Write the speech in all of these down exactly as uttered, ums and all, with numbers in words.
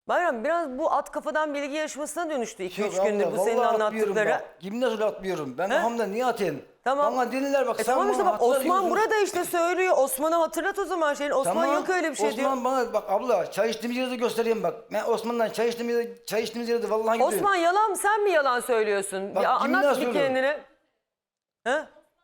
Bayram biraz bu at kafadan bilgi yarışmasına dönüştü iki üç Yok gündür abla, bu senin vallahi atmıyorum anlattıkları. bak. Yemin ederim atmıyorum. Ben He? hamda niye atayım? Tamam. Bana dinler bak. E sen tamam işte bana bak hatırla Osman diyorsun. burada işte söylüyor. Osman'a hatırlat o zaman şeyin. Osman Tamam. yok öyle bir şey Osman diyor. bana bak abla çay içtiğimiz yeri de göstereyim bak. Ben Osman'dan çay içtiğimiz yeri, çay içtiğimiz yeri de vallahi gidiyorum. Osman yalan mı? Sen mi yalan söylüyorsun? Bak, Ya yeminle anlat bir söylüyorum. kendini. He?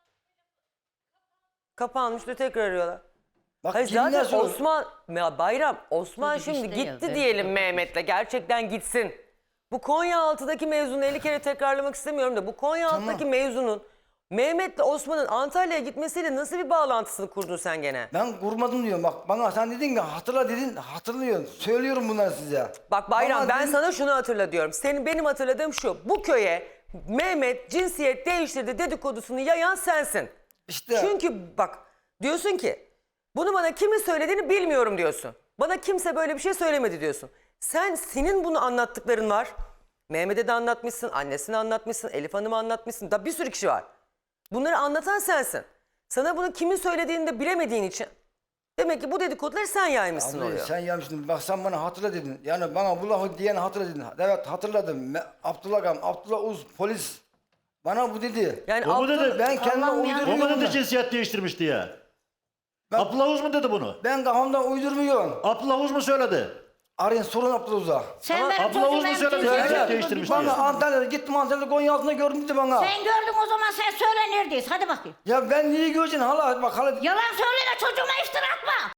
Kapanmıştı tekrar arıyorlar. Bak Hayır yeminle zaten söylüyorum. Osman, ya Bayram, Osman Çocuk şimdi işte ya, gitti belki diyelim de- Mehmet'le. Gerçekten gitsin. Bu Konyaaltı'daki mevzunu elli kere tekrarlamak istemiyorum da bu Konyaaltı'daki Tamam. mevzunun Mehmet'le Osman'ın Antalya'ya gitmesiyle nasıl bir bağlantısını kurdun sen gene? Ben kurmadım diyorum bak. Bana sen dedin ki hatırla dedin. Hatırlıyorum. Söylüyorum bunları size. Bak Bayram Bana ben dedin- sana şunu hatırla diyorum. Senin benim hatırladığım şu. Bu köye Mehmet cinsiyet değiştirdi dedikodusunu yayan sensin. İşte. Çünkü bak diyorsun ki bunu bana kimin söylediğini bilmiyorum diyorsun. Bana kimse böyle bir şey söylemedi diyorsun. Sen senin bunu anlattıkların var. Mehmet'e de anlatmışsın, annesine anlatmışsın, Elif Hanım'a anlatmışsın. Da bir sürü kişi var. Bunları anlatan sensin. Sana bunu kimin söylediğini de bilemediğin için demek ki bu dedikoduları sen yaymışsın Abi, oluyor. sen yanlışsın. Bak sen bana hatırla dedin. Yani bana bu lafı diyen hatırla dedin. Evet hatırladım. Me- Abdullah Gam, Abdullah Uz polis bana bu dedi. Yani O mu Abdullah- dedi? Ben kendime Allah'ım ya. O mu uyduruyorum. dedi ben. cinsiyet değiştirmiş diye? Ben- Abdullah Uz mu dedi bunu? Ben kafamdan uydurmuyorum. Abdullah Uz mu söyledi? Arayın sorun Abdullah Uz'a. Sen Ama benim Abla Oğuz mu çocuğum söyledi? cinsiyet Evet. değiştirmiş Değiştirmiş diye. diye. Bana Antalya'da gittim Antalya'da Konya altında gördüm dedi bana. Sen gördün o zaman sen söyle neredeyiz hadi bakayım. Ya ben niye göreceksin hala bak hala. Yalan söyleme çocuğuma iftira atma.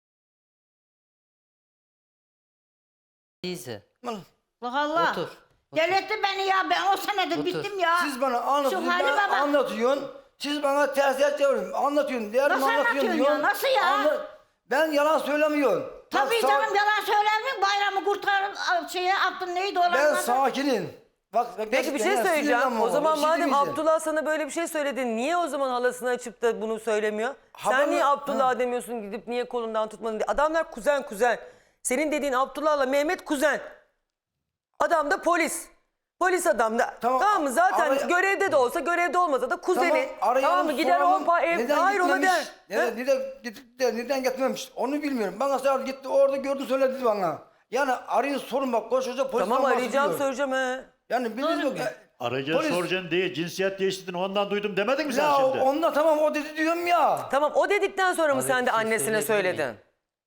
Teyze. Allah Allah. Otur. Delirtti beni ya ben o senedir Otur. bittim ya. Siz bana anlatıyorsun, Şu hali ben baba. anlatıyorsun. Siz bana ters ters çeviriyorsun. Anlatıyorsun, değerimi Nasıl anlatıyorsun anlatıyorsun diyorsun. ya, nasıl ya? Anla- Ben yalan söylemiyorum. Tabii Bak, sağ- canım yalan söyler mi? Bayramı kurtar şeye attın neydi olan Ben adı? sakinim. Bak, Peki bir şey gerçekten söyleyeceğim. sinirlenmem O ama, zaman bir şey madem demeyeceğim. Abdullah sana böyle bir şey söyledi niye o zaman halasını açıp da bunu söylemiyor? Haber Sen niye mi? Abdullah Ha. demiyorsun gidip niye kolundan tutmadın diye. Adamlar kuzen kuzen. Senin dediğin Abdullah'la Mehmet kuzen. Adam da polis. Polis adam da. Tamam, Tamam, mı? Zaten araya- görevde de olsa görevde olmasa da kuzeni. Tamam, arayalım, mı? Gider o soralım. pa ev Neden hayır ona gitmemiş? der. Neden, Ha? neden, gidip de, neden gitmemiş? Onu bilmiyorum. Bana sadece gitti orada gördü söyledi bana. Yani arayın sorun bak koskoca polis. Tamam arayacağım söyleyeceğim he. Yani biz yok. Arayacaksın Polis- soracaksın diye cinsiyet değiştirdin ondan duydum demedin mi sen Ya şimdi? onunla tamam o dedi diyorum ya. Tamam o dedikten sonra mı Abi, sen de bir şey annesine söyleyebilir söyledin?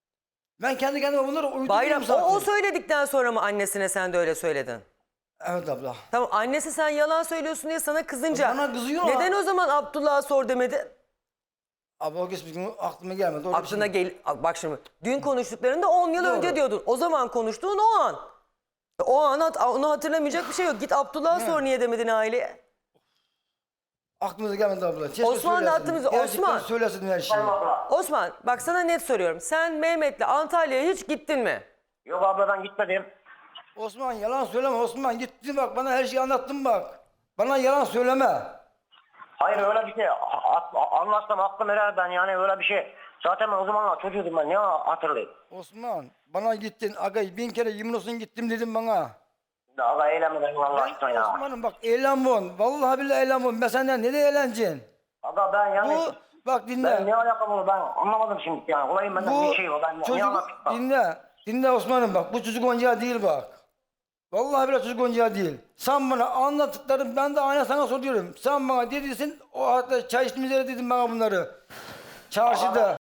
Ben kendi kendime bunları uyduruyorum Bayram zaten. o, o söyledikten sonra mı annesine sen de öyle söyledin? Evet abla. Tamam annesi sen yalan söylüyorsun diye sana kızınca. Bana kızıyor ama- Neden o zaman Abdullah'a sor demedi? Abla o geçmiş gün aklıma gelmedi. Orada bir Aklına şey- gel bak şimdi dün konuştuklarında on yıl Doğru. önce diyordun. O zaman konuştuğun o an. O an hat- onu hatırlamayacak bir şey yok. Git Abdullah'a sor niye demedin aileye. Aklımıza gelmedi abla. Keşke Osman da söylesin. aklımıza- Gerçekten Osman. söylesin her şeyi. Osman bak sana net soruyorum. Sen Mehmet'le Antalya'ya hiç gittin mi? Yok abla ben gitmedim. Osman yalan söyleme Osman. Gittin bak bana her şeyi anlattın bak. Bana yalan söyleme. Hayır öyle bir şey. A- a- anlatsam aklım erer ben yani öyle bir şey. Zaten ben o zamanlar çocuğum ben ne hatırlayayım. Osman bana gittin agay bin kere yemin olsun gittim dedim bana. Daha eğlenmeden Allah aşkına Ben ya. Osman'ım bak eğlenmon. Vallahi billahi eğlenmon. Ben senden ne de eğleneceksin? Aga ben yani Bu bak dinle. ben ne alakam olur ben anlamadım şimdi yani. Olayım benden Bu bir şey var. Ben ne çocuk anlatayım bak. dinle. Dinle Osman'ım bak bu çocuk oyuncağı değil bak. Vallahi billahi çocuk oyuncağı değil. Sen bana anlattıkların ben de aynı sana soruyorum. Sen bana dediysin o hatta çay içtiğimiz yere dedin bana bunları. Çarşıda.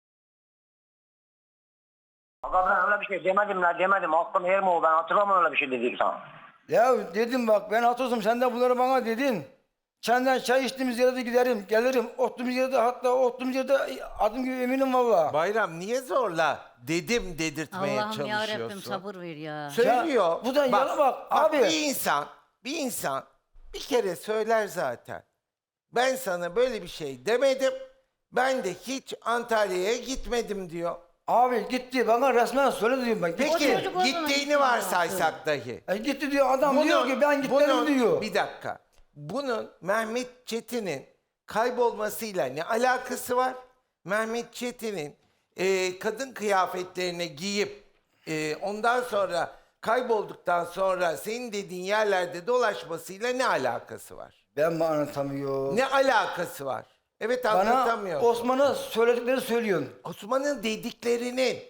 Aga ben öyle bir şey demedim la demedim. Aklım yer mi o ben hatırlamam öyle bir şey dedik sana. Ya dedim bak ben hatırladım sen de bunları bana dedin. Senden çay içtiğimiz yere de giderim, gelirim. Oturduğumuz yerde hatta oturduğumuz yerde adım gibi eminim valla. Bayram niye zorla dedim dedirtmeye Allah'ım yarabbim çalışıyorsun? sabır ver ya. Söylüyor. Ya, bu da yana bak, abi. Bir insan, bir insan bir kere söyler zaten. Ben sana böyle bir şey demedim. Ben de hiç Antalya'ya gitmedim diyor. Abi gitti bana resmen söyle diyorum ben. Peki çocuk o zaman gittiğini gitti varsaysak dahi. E, gitti diyor adam diyor ki ben gitmedim bunun- diyor. Bir dakika. Bunun Mehmet Çetin'in kaybolmasıyla ne alakası var? Mehmet Çetin'in e, kadın kıyafetlerini giyip e, ondan sonra kaybolduktan sonra senin dediğin yerlerde dolaşmasıyla ne alakası var? Ben mi anlatamıyorum? Ne alakası var? Evet Bana anlatamıyor. Osman'a söyledikleri söylüyorsun. Osman'ın dediklerinin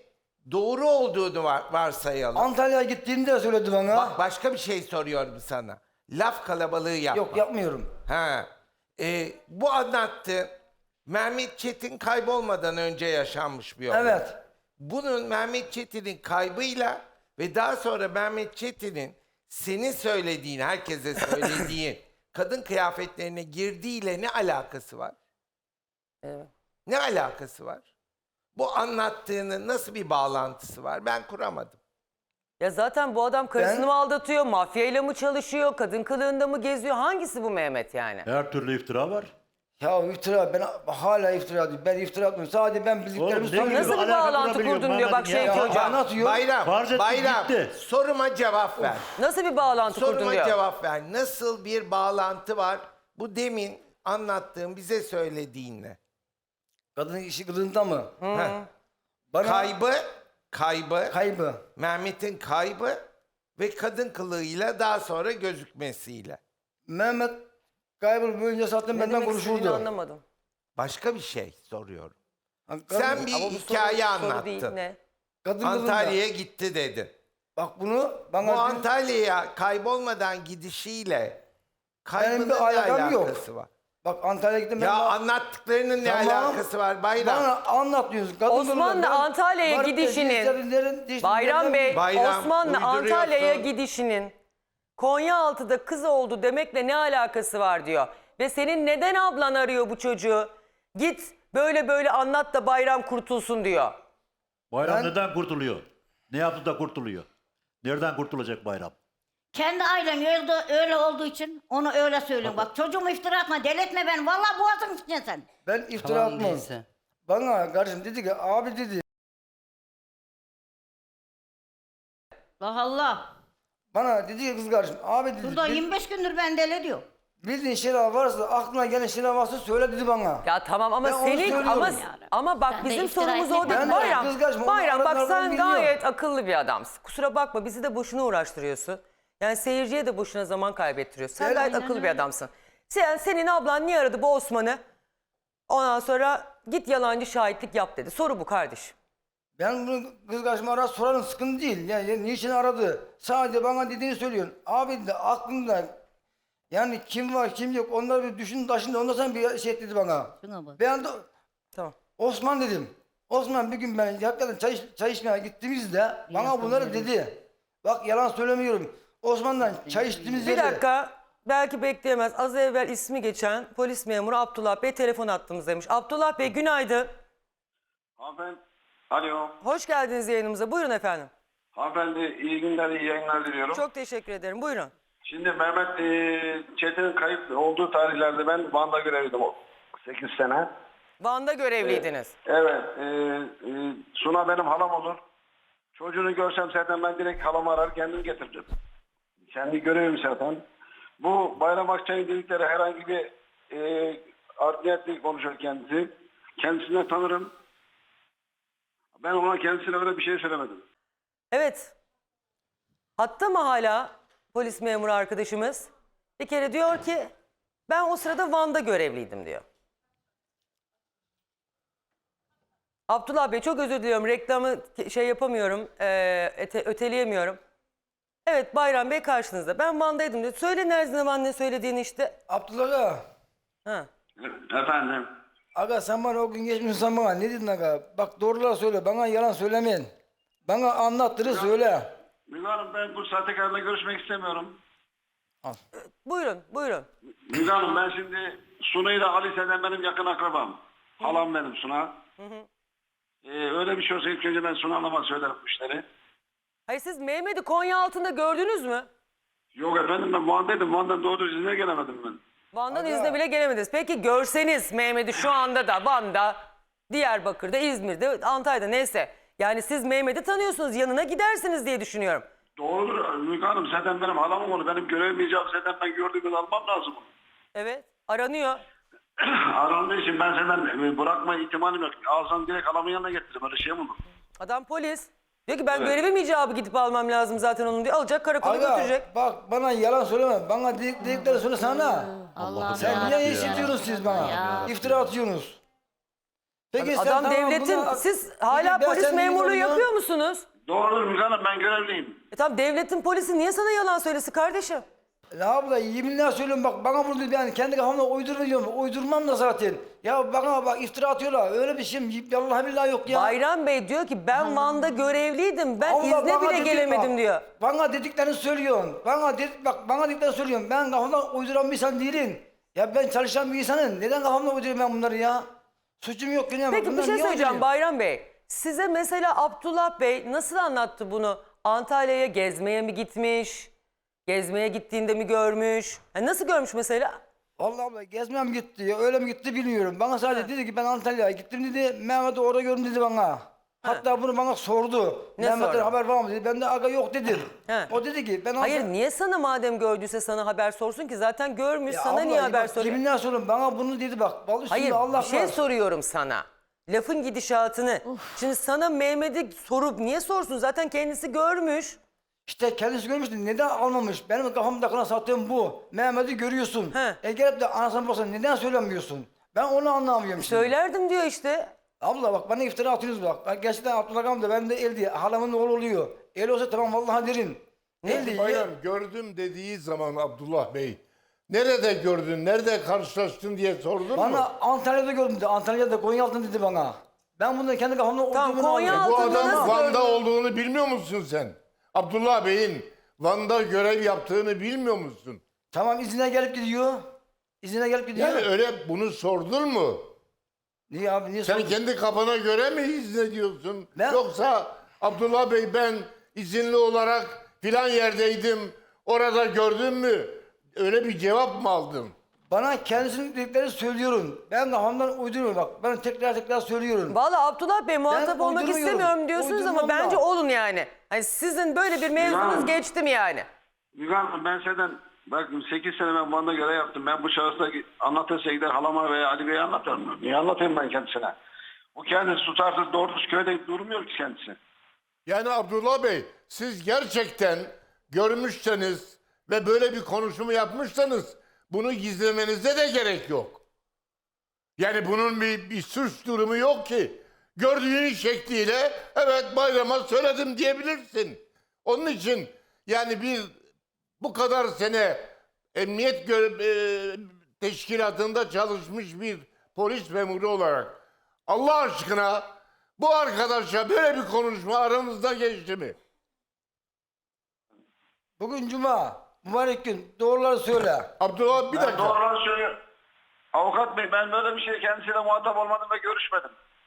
Doğru olduğunu var, varsayalım. Antalya'ya gittiğini de söyledi bana. Bak başka bir şey soruyorum sana. Laf kalabalığı yapma. Yok yapmıyorum. Ha. Ee, bu anlattı. Mehmet Çetin kaybolmadan önce yaşanmış bir olay. Evet. Bunun Mehmet Çetin'in kaybıyla ve daha sonra Mehmet Çetin'in senin söylediğin, herkese söylediği kadın kıyafetlerine girdiğiyle ne alakası var? Evet. Ne alakası var? Bu anlattığının nasıl bir bağlantısı var? Ben kuramadım. Ya zaten bu adam karısını Ben- mı aldatıyor, mafyayla mı çalışıyor, kadın kılığında mı geziyor? Hangisi bu Mehmet yani? Her türlü iftira var. Ya iftira, ben hala iftira diyorum. Ben iftira atmıyorum. Sadece ben bildiklerimi Oğlum, ne söylüyorum. Nasıl bir Alaka bağlantı kurabiliyor kurdun diyor bak Mehmet'in şey ya. Ya hocam. anlatıyor. Bayram, Farz ettik, Bayram, gitti. soruma cevap ver. Nasıl bir bağlantı kurdun Soruma diyor. cevap ver. Nasıl bir bağlantı var bu demin anlattığım, bize söylediğinle? Kadının işi kılığında mı? Heh. Bana Kaybı, kaybı, kaybı. Mehmet'in kaybı ve kadın kılığıyla daha sonra gözükmesiyle. Mehmet kaybı boyunca zaten Ne benden demek istediğini konuşurdu. anlamadım. Başka bir şey soruyorum. Ha, kadın- Sen bir Ama bu hikaye soru, soru anlattın. değil ne? kadın kılığında. Antalya'ya gitti dedin. Bak bunu Bu bana dün- Antalya'ya kaybolmadan gidişiyle kaybının Benim ne bir alakam yok. alakası var? bak Antalya'ya gittim. ben Ya bana- anlattıklarının ne Tamam. alakası var Bayram? Bana anlatıyorsun. Kadın Osmanlı kılığında. Ben- Antalya'ya varıp da gidişinin- dişlerin- dişlerin- Bayram Bey, Bayram, Osmanlı uyduruyorsun. Antalya'ya gidişinin Konyaaltı'da kız oldu demekle ne alakası var diyor. Ve senin neden ablan arıyor bu çocuğu? Git böyle böyle anlat da Bayram kurtulsun diyor. Bayram Ben- neden kurtuluyor? Ne yaptı da kurtuluyor? Nereden kurtulacak Bayram? Kendi ailen öyle, öyle olduğu için onu öyle söylüyorum. Bak çocuğumu iftira atma, deletme beni. Vallahi boğazın içine sen. Ben iftira atmam. Bana kardeşim dedi ki abi dedi. Allah Allah. Bana dedi ki kız kardeşim abi dedi. Burada bil- yirmi beş gündür ben deli diyor. bildiğin şeyler varsa aklına gelen şeyler varsa söyle dedi bana. Ya tamam ama Ben onu senin söylüyorum. ama Yani. ama bak Sen de bizim iftira sorumuz etme. o değil. Ben de Bayram, kız kardeşim, Bayram onu bak aralarından sen biliyorum. gayet akıllı bir adamsın. Kusura bakma bizi de boşuna uğraştırıyorsun. Yani seyirciye de boşuna zaman kaybettiriyorsun. Sen Ben- gayet Aynen akıllı bir öyle. adamsın. Sen, senin ablan niye aradı bu Osman'ı? Ondan sonra git yalancı şahitlik yap dedi. Soru bu kardeşim. Ben bunu kız kardeşime ara sorarım sıkıntı değil. Yani, yani niçin aradı? Sadece bana dediğini söylüyorsun. Abi de aklında yani kim var kim yok onları bir düşün taşın da ondan sonra bir şey dedi bana. Şuna bak. Ben de Tamam. Osman dedim. Osman bir gün ben hakikaten çay, iç- çay içmeye gittiğimizde bana bunları dedi. Bak yalan söylemiyorum. Osman'dan çay içtiğimiz Bir yerde. dakika. Belki bekleyemez. Az evvel ismi geçen polis memuru Abdullah Bey telefon attığımızdaymış. Abdullah Bey günaydın. Hanımefendi, alo. Hoş geldiniz yayınımıza. Buyurun efendim. Hanımefendi iyi günler, iyi yayınlar diliyorum. Çok teşekkür ederim. Buyurun. Şimdi Mehmet e, Çetin'in kayıp olduğu tarihlerde ben Van'da görevliydim o sekiz sene. Van'da görevliydiniz. Evet, e, e, Suna benim halam olur. Çocuğunu görsem zaten ben direkt halamı arar kendim getiririm. Kendi görevim zaten. Bu Bayram Akçay'ın dedikleri herhangi bir e, art niyetli konuşuyor kendisi. Kendisinden tanırım. Ben ona kendisine öyle bir şey söylemedim. Evet. Hatta mı hala polis memuru arkadaşımız? Bir kere diyor ki ben o sırada Van'da görevliydim diyor. Abdullah Bey çok özür diliyorum. Reklamı şey yapamıyorum. E, öte, öteleyemiyorum. Evet Bayram Bey karşınızda. Ben Van'daydım diyor. Söyle Nerzine Van ne söylediğini işte. Abdullah aga. Ha. Efendim. Aga sen bana o gün geçmişsin sen bana. Ne dedin aga? Bak doğruları söyle. Bana yalan söylemeyin. Bana anlattırı söyle. Müge Hanım ben bu sahtekarla görüşmek istemiyorum. Buyurun buyurun. Müge Hanım ben şimdi Suna ile Alise'den benim yakın akrabam. Halam benim Suna. Ee, öyle bir şey olsa ilk önce ben Suna Hanım'a söylerim bu işleri. Hayır siz Mehmet'i Konya altında gördünüz mü? Yok efendim ben Van'daydım. Van'dan doğru izine gelemedim ben. Van'dan Aga. İzne bile gelemediniz. Peki görseniz Mehmet'i şu anda da Van'da, Diyarbakır'da, İzmir'de, Antalya'da neyse. Yani siz Mehmet'i tanıyorsunuz yanına gidersiniz diye düşünüyorum. Doğrudur Müge Hanım zaten benim halamım onu. Benim görevim icabı zaten ben gördüğümü almam lazım. Evet aranıyor. Arandığı için ben senden bırakma ihtimalim yok. Ağzından direkt halamın yanına getiririm. Öyle şey mi olur? Adam polis. Diyor ki ben Evet. görevim icabı gidip almam lazım zaten onun diyor. Alacak karakola götürecek. Aga bak bana yalan söyleme. Bana dedik, dedikleri söyle sana. Allah'ım Sen ya niye Rabbi iş ya. ediyorsunuz siz bana? Ya. İftira atıyorsunuz. Peki sen Adam tamam devletin, buna- siz Peki hala ben polis sen niye memurluğu oluyor? yapıyor musunuz? Doğrudur Müge Hanım, ben görevliyim. E tamam, devletin polisi niye sana yalan söylesin kardeşim? Ne abla yeminle söylüyorum bak bana bunu yani kendi kafamda uyduruyorum. Uydurmam da zaten. Ya bana bak iftira atıyorlar. Öyle bir şey vallahi billahi yok ya. Bayram Bey diyor ki ben Van'da görevliydim. Ben Allah izne bana bile dedi gelemedim bak, diyor. Bana dediklerini söylüyorsun. Bana dedik bak bana dediklerini söylüyorsun. Ben kafamdan uyduran bir insan değilim. Ya ben çalışan bir insanım. Neden kafamdan uyduruyorum ben bunları ya? Suçum yok yine. Peki bir Bunları şey niye söyleyeceğim uyduruyorum? Bayram Bey. Size mesela Abdullah Bey nasıl anlattı bunu? Antalya'ya gezmeye mi gitmiş? Gezmeye gittiğinde mi görmüş? Ha, nasıl görmüş mesela? Vallahi abla gezmeye mi gitti ya öyle mi gitti bilmiyorum. Bana sadece dedi ki ben Antalya'ya gittim dedi. Mehmet'i orada gördüm dedi bana. Hatta bunu bana sordu. Ne Mehmet'ten sordu? haber var mı dedi. Ben de aga yok dedim. He. O dedi ki ben Hayır, Antalya- niye sana madem gördüyse sana haber sorsun ki? Zaten görmüş, Ya sana abla, niye haber bak, soruyor? Yeminle söylüyorum bana bunu dedi bak. Vallahi Hayır, üstünde Allah bir şey var. soruyorum sana. Lafın gidişatını. Şimdi sana Mehmet'i sorup niye sorsun? Zaten kendisi görmüş. İşte kendisi görmüştü. Neden almamış? Benim kafamda kalan sattığım bu. Mehmet'i görüyorsun. He. E gelip de anasını babasını neden söylemiyorsun? Ben onu anlamıyorum şimdi. Söylerdim diyor işte. Abla bak bana iftira atıyorsunuz bak. Bak gerçekten Abdullah Gamze ben de el diye. Halamın oğlu oluyor. El olsa tamam vallahi derin. El diye. Bayram gördüm dediği zaman Abdullah Bey, nerede gördün, nerede karşılaştın diye sordun mu? Bana Antalya'da gördüm dedi. Antalya'da Konyaaltı dedi bana. Ben bunu kendi kafamda Tamam, olduğunu Konya anlıyorum. Bu altında adam nasıl Van'da gördün? olduğunu bilmiyor musun sen? Abdullah Bey'in Van'da görev yaptığını bilmiyor musun? Tamam izine gelip gidiyor. İzine gelip gidiyor. Yani öyle bunu sordun mu? Niye abi niye Sen sordun? kendi kafana göre mi izlediyorsun? Ben- Yoksa Abdullah Bey ben izinli olarak filan yerdeydim, orada gördün mü? Öyle bir cevap mı aldın? Bana kendisinin dediklerini söylüyorum. Ben kafamdan uyduruyorum bak. Ben tekrar tekrar söylüyorum. Vallahi Abdullah Bey muhatap olmak uydurmuyorum. istemiyorum diyorsunuz ama Uydurmam bence da. olun yani. Hani sizin böyle bir mevzunuz Ya. geçti mi yani? Müge Hanım, ben senden bak sekiz sene ben Van'da görev yaptım. Ben bu şahısla anlatırsa gider halama veya Ali Bey'e anlatırım. Niye anlatayım ben kendisine? O kendisi tutarsız doğru düz köyde durmuyor ki kendisi. Yani Abdullah Bey siz gerçekten görmüşseniz ve böyle bir konuşumu yapmışsanız bunu gizlemenize de gerek yok. Yani bunun bir, bir suç durumu yok ki. Gördüğün şekliyle evet Bayram'a söyledim diyebilirsin. Onun için yani bir bu kadar sene emniyet gö- e, teşkilatında çalışmış bir polis memuru olarak Allah aşkına bu arkadaşa böyle bir konuşma aranızda geçti mi? Bugün cuma. Mübarek gün. Doğruları söyle. Abdullah bir Ben dakika. doğruları söylüyorum. Avukat Bey, ben böyle bir şey kendisiyle muhatap olmadım ve görüşmedim.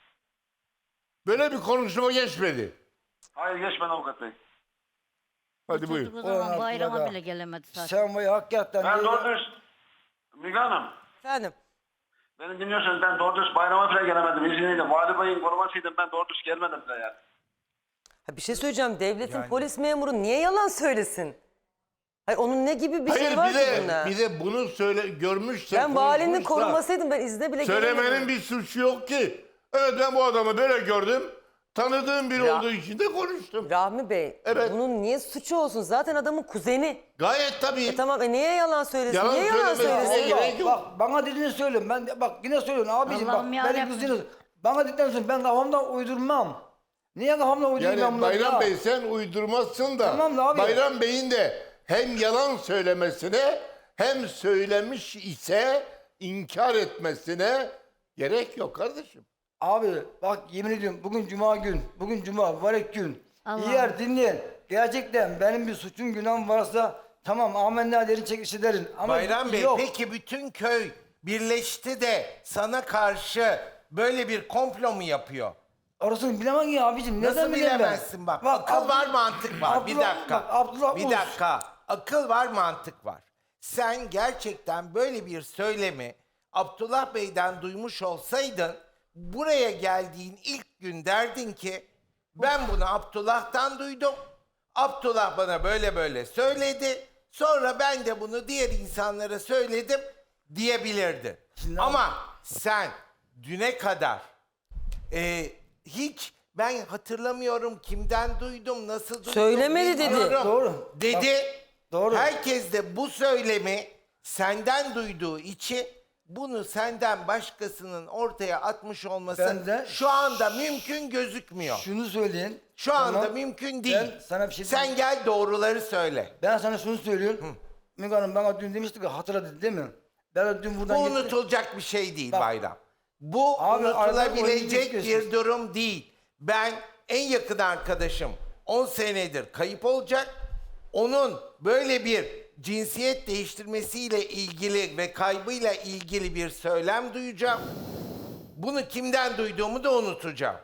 Böyle bir konuşma geçmedi. Hayır, geçmedi avukat Bey. Hadi buyur. Çocuk o zaman Ulan bayrama Abdullah. bile gelemedi zaten. Sen vay hakikaten. Ben ya. doğru dürüst, Müge Hanım, Efendim? beni dinliyorsanız ben doğru dürüst bayrama bile gelemedim. İzniyle. Vali Bey'in korumasıydım, ben doğru dürüst gelmedim bile yani. Ha, bir şey söyleyeceğim. Devletin polis memuru niye yalan söylesin? Hayır, onun ne gibi bir Hayır şey var bir ki de, bunda? bir de bunu söyle görmüşse Ben valinin konuşmuşsa, korumasıydım, ben izne bile söylemenin gelemedim. bir suçu yok ki. Evet ben bu adamı böyle gördüm. Tanıdığım biri Ya- olduğu için de konuştum. Rahmi Bey, Evet. bunun niye suçu olsun? Zaten adamın kuzeni. Gayet tabii. E tamam, e niye yalan söylesin? Yalan niye yalan söylemesine söylesin? gerek Bak, yok. bak bana dediğini söylüyorum. Ben de, bak yine söylüyorum abiciğim bak. Allah'ım Beni yarabbim. kızdınız. Bana dediklerini söylüyorum. Ben kafamdan uydurmam. Niye kafamdan uydurayım ben Yani bunları Bayram ya? Bey sen uydurmazsın da Tamam da abi. Bayram Bey'in de hem yalan söylemesine hem söylemiş ise inkar etmesine gerek yok kardeşim. Abi bak yemin ediyorum bugün cuma gün. Bugün cuma mübarek gün. Allah'ım. Eğer dinleyin. Gerçekten benim bir suçum günahım varsa tamam amenna derin çekişi derin. Ama Bayram Bey yok. peki bütün köy birleşti de sana karşı böyle bir komplo mu yapıyor? Orasını bilemem ya abicim. Neden Nasıl bileyim ben? bilemezsin bak. Akıl Abdullah- var, mantık var. bir Abdullah- dakika. bak, Abdullah bir Ulus. dakika. Akıl var, mantık var. Sen gerçekten böyle bir söylemi Abdullah Bey'den duymuş olsaydın buraya geldiğin ilk gün derdin ki ben bunu Abdullah'tan duydum. Abdullah bana böyle böyle söyledi. Sonra ben de bunu diğer insanlara söyledim diyebilirdin. Ama sen düne kadar e, hiç ben hatırlamıyorum kimden duydum, nasıl duydum. Söylemedi dedi. bilmiyorum Doğru. Dedi. Doğru. Herkes de bu söylemi senden duyduğu için bunu senden başkasının ortaya atmış olması Ben de- şu anda mümkün gözükmüyor. Şunu söyleyin. Şu anda Tamam. mümkün değil. Ben sana bir şey Sen diyeyim. gel doğruları söyle. Ben sana şunu söylüyorum. Müge Hanım bana dün demişti ki hatırla dedi değil mi? Ben de dün Bu buradan gittim. unutulacak bir şey değil Bak. Bayram. Bu Abi, arada unutulabilecek oyunu bir geçiyorsun. durum değil. Ben en yakın arkadaşım on senedir kayıp olacak. Onun böyle bir cinsiyet değiştirmesiyle ilgili ve kaybıyla ilgili bir söylem duyacağım. Bunu kimden duyduğumu da unutacağım.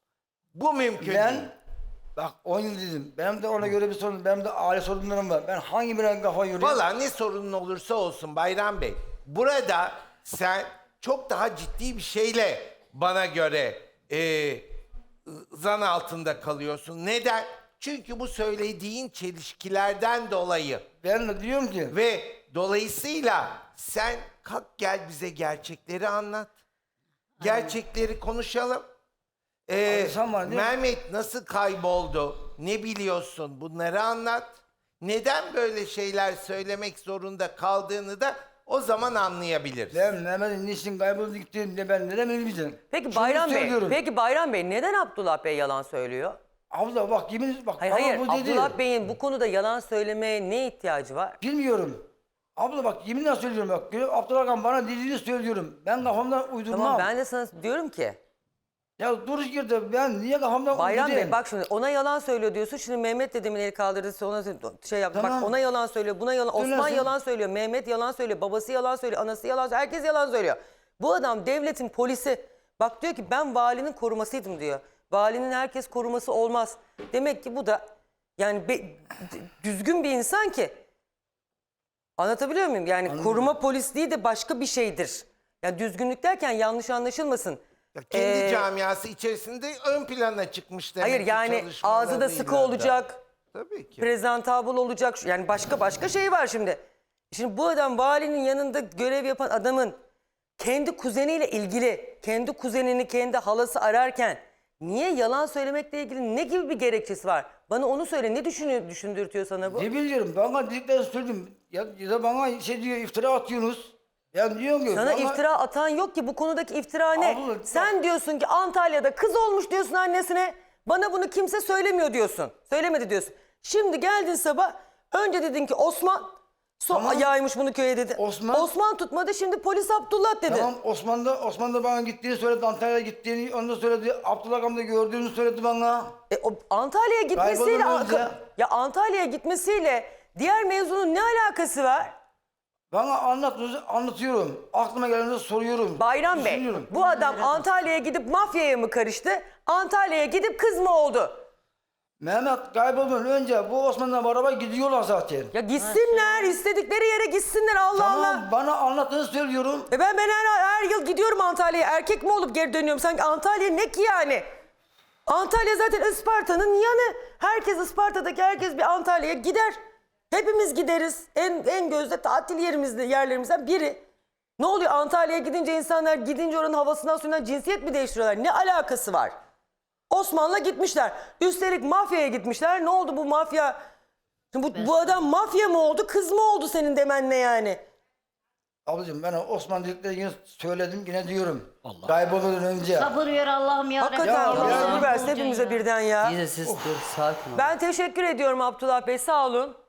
Bu mümkün değil. Ben bak on yıl dedim. Benim de ona göre bir sorun. Benim de aile sorunlarım var. Ben hangi birine kafa yoruyorum? Valla ne sorunun olursa olsun Bayram Bey. Burada sen çok daha ciddi bir şeyle bana göre e, zan altında kalıyorsun. Neden? Çünkü bu söylediğin çelişkilerden dolayı Ben de diyorum ki ve dolayısıyla sen kalk gel bize gerçekleri anlat. Gerçekleri konuşalım. Ee, Abi sen var değil mi? Mehmet nasıl kayboldu? Ne biliyorsun? Bunları anlat. Neden böyle şeyler söylemek zorunda kaldığını da o zaman anlayabiliriz. ben Mehmet'in niçin kayboldu gittiğinde ben neden bilmeyeceğim. Peki Şunu Bayram Bey, söylüyorum. peki Bayram Bey neden Abdullah Bey yalan söylüyor? Abla bak yemin bak. Hayır bana hayır, bu dedi. Abdullah Bey'in bu konuda yalan söylemeye ne ihtiyacı var? Bilmiyorum. Abla bak yeminle söylüyorum bak. Abdullah Han bana dediğini söylüyorum. Ben kafamdan uydurmam. Tamam ben de sana diyorum ki Ya duruş girdi ben niye kafamdan Bayram uydurayım? Bey bak şimdi ona yalan söylüyor diyorsun. Şimdi Mehmet dedemin eli kaldırdı ona şey yaptı. Tamam. Bak ona yalan söylüyor, buna yalan. Osman Söylersin. yalan söylüyor, Mehmet yalan söylüyor, babası yalan söylüyor, anası yalan söylüyor. Herkes yalan söylüyor. Bu adam devletin polisi. Bak diyor ki ben valinin korumasıydım diyor. Valinin herkes koruması olmaz. Demek ki bu da yani be- düzgün bir insan ki. Anlatabiliyor muyum? Yani koruma polisliği de başka bir şeydir. Yani düzgünlük derken yanlış anlaşılmasın. Ya kendi Ee, camiası içerisinde ön plana çıkmış demek Hayır ki yani ağzı da sıkı çalışmalarıyla da. olacak. Tabii ki. Prezentabl olacak. Yani başka başka şey var şimdi. Şimdi bu adam valinin yanında görev yapan adamın kendi kuzeniyle ilgili, kendi kuzenini kendi halası ararken niye yalan söylemekle ilgili ne gibi bir gerekçesi var? Bana onu söyle. Ne düşünüyor, düşündürtüyor sana bu? Ne biliyorum bana dediklerini söyledim. Ya, ya da bana şey diyor iftira atıyorsunuz. Ya diyorum ki. Sana bana- iftira atan yok ki. Bu konudaki iftira ne? Abla, bak- Sen diyorsun ki Antalya'da kız olmuş diyorsun annesine. Bana bunu kimse söylemiyor diyorsun. Söylemedi diyorsun. Şimdi geldin sabah. Önce dedin ki Osman. Son Tamam. yaymış bunu köye dedi. Osman- Osman tutmadı şimdi polis Abdullah dedi. Tamam Osman da, Osman da bana gittiğini söyledi. Antalya'ya gittiğini onu da söyledi. Abdullah Han da gördüğünü söyledi bana. E, o Antalya'ya gitmesiyle Kaybolur önce. ya Antalya'ya gitmesiyle diğer mevzunun ne alakası var? Bana anlatıyorsunuz anlatıyorum. Aklıma gelenleri soruyorum. Bayram Bey düşünüyorum. bu adam Antalya'ya gidip mafyaya mı karıştı? Antalya'ya gidip kız mı oldu? Mehmet kaybolmadan önce bu Osman'la beraber gidiyorlar zaten. Ya gitsinler istedikleri yere gitsinler Allah Tamam Allah. bana anlattığını söylüyorum. E ben ben her, her yıl gidiyorum Antalya'ya. Erkek mi olup geri dönüyorum? Sanki Antalya ne ki yani? Antalya zaten Isparta'nın yanı. Herkes Isparta'daki herkes bir Antalya'ya gider. Hepimiz gideriz. En en gözde tatil yerimizde yerlerimizden biri. Ne oluyor Antalya'ya gidince insanlar gidince oranın havasından suyundan cinsiyet mi değiştiriyorlar? Ne alakası var? Osman'la gitmişler. Üstelik mafyaya gitmişler. Ne oldu bu mafya? Şimdi bu, bu adam mafya mı oldu, kız mı oldu senin demenle yani? Ablacığım ben Osman dediklerini yine söyledim yine diyorum. Kaybolmadan önce. Sabır ver Allah'ım ya. Hakikaten Ya, Allah ya. sabır versin hepimize birden ya. İyi de siz dur sakin ol. Ben teşekkür ediyorum Abdullah Bey, sağ olun.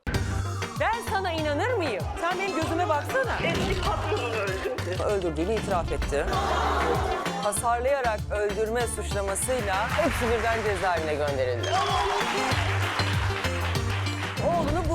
Ben sana inanır mıyım? Sen benim gözüme baksana. Eski patronunu öldürdü. Öldürdüğünü itiraf etti. Hasarlayarak öldürme suçlamasıyla hepsi birden cezaevine gönderildi. Oğlunu